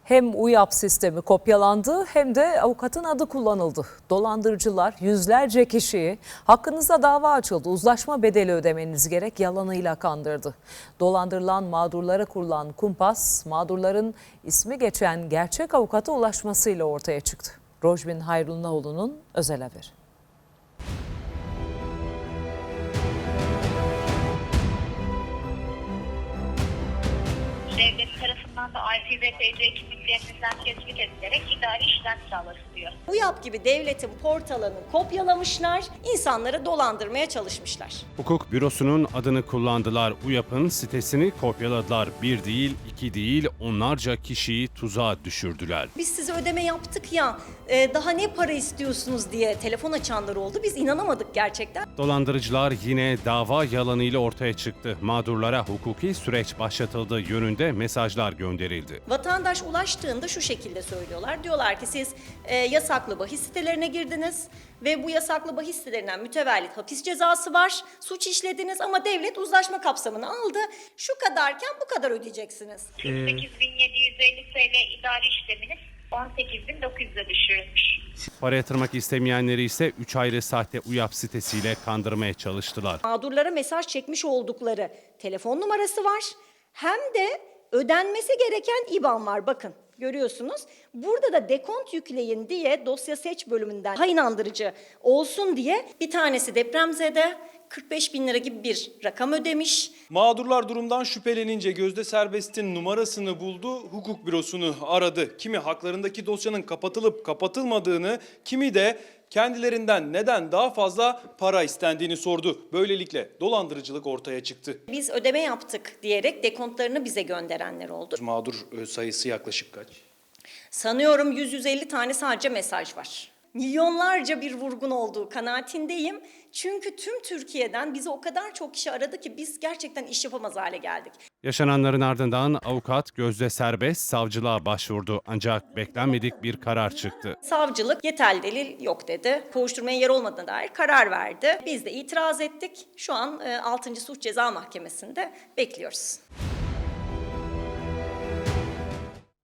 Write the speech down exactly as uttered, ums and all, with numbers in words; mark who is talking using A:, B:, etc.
A: Hem UYAP sistemi kopyalandı hem de avukatın adı kullanıldı. Dolandırıcılar yüzlerce kişiyi hakkınızda dava açıldı, uzlaşma bedeli ödemeniz gerek yalanıyla kandırdı. Dolandırılan mağdurlara kurulan kumpas mağdurların ismi geçen gerçek avukata ulaşmasıyla ortaya çıktı. Rojbin Hayrullaoğlu'nun özel haberi.
B: Devlet tarafından da I P v P C kimliklerinizden tespit edilerek idari işlem sağlanıyor.
C: UYAP gibi devletin portalını kopyalamışlar, insanları dolandırmaya çalışmışlar.
D: Hukuk bürosunun adını kullandılar. UYAP'ın sitesini kopyaladılar. Bir değil, iki değil, onlarca kişiyi tuzağa düşürdüler.
C: Biz size ödeme yaptık ya, e, daha ne para istiyorsunuz diye telefon açanlar oldu. Biz inanamadık gerçekten.
D: Dolandırıcılar yine dava yalanıyla ortaya çıktı. Mağdurlara hukuki süreç başlatıldığı yönünde mesajlar gönderildi.
C: Vatandaş ulaştığında şu şekilde söylüyorlar. Diyorlar ki siz e, yasaklı bahis sitelerine girdiniz ve bu yasaklı bahis sitelerinden mütevellit hapis cezası var. Suç işlediniz ama devlet uzlaşma kapsamını aldı. Şu kadarken bu kadar ödeyeceksiniz.
B: kırk sekiz bin yedi yüz elli T L idari işleminiz on sekiz bin dokuz yüze düşürülmüş.
D: Para yatırmak istemeyenleri ise üç ayrı sahte UYAP sitesiyle kandırmaya çalıştılar.
C: Mağdurlara mesaj çekmiş oldukları telefon numarası var. Hem de ödenmesi gereken İ B A N var, bakın görüyorsunuz. Burada da dekont yükleyin diye dosya seç bölümünden daha inandırıcı olsun diye bir tanesi depremzede kırk beş bin lira gibi bir rakam ödemiş.
E: Mağdurlar durumdan şüphelenince Gözde Serbest'in numarasını buldu, hukuk bürosunu aradı. Kimi haklarındaki dosyanın kapatılıp kapatılmadığını, kimi de kendilerinden neden daha fazla para istendiğini sordu. Böylelikle dolandırıcılık ortaya çıktı.
C: Biz ödeme yaptık diyerek dekontlarını bize gönderenler oldu.
E: Mağdur sayısı yaklaşık kaç?
C: Sanıyorum yüz yüz elli tane sadece mesaj var. Milyonlarca bir vurgun olduğu kanaatindeyim. Çünkü tüm Türkiye'den bizi o kadar çok kişi aradı ki biz gerçekten iş yapamaz hale geldik.
D: Yaşananların ardından avukat Gözde Serbest savcılığa başvurdu ancak beklenmedik bir karar çıktı.
C: Savcılık yeterli delil yok dedi. Kovuşturmaya yer olmadığına dair karar verdi. Biz de itiraz ettik. Şu an altıncı Suç Ceza Mahkemesi'nde bekliyoruz.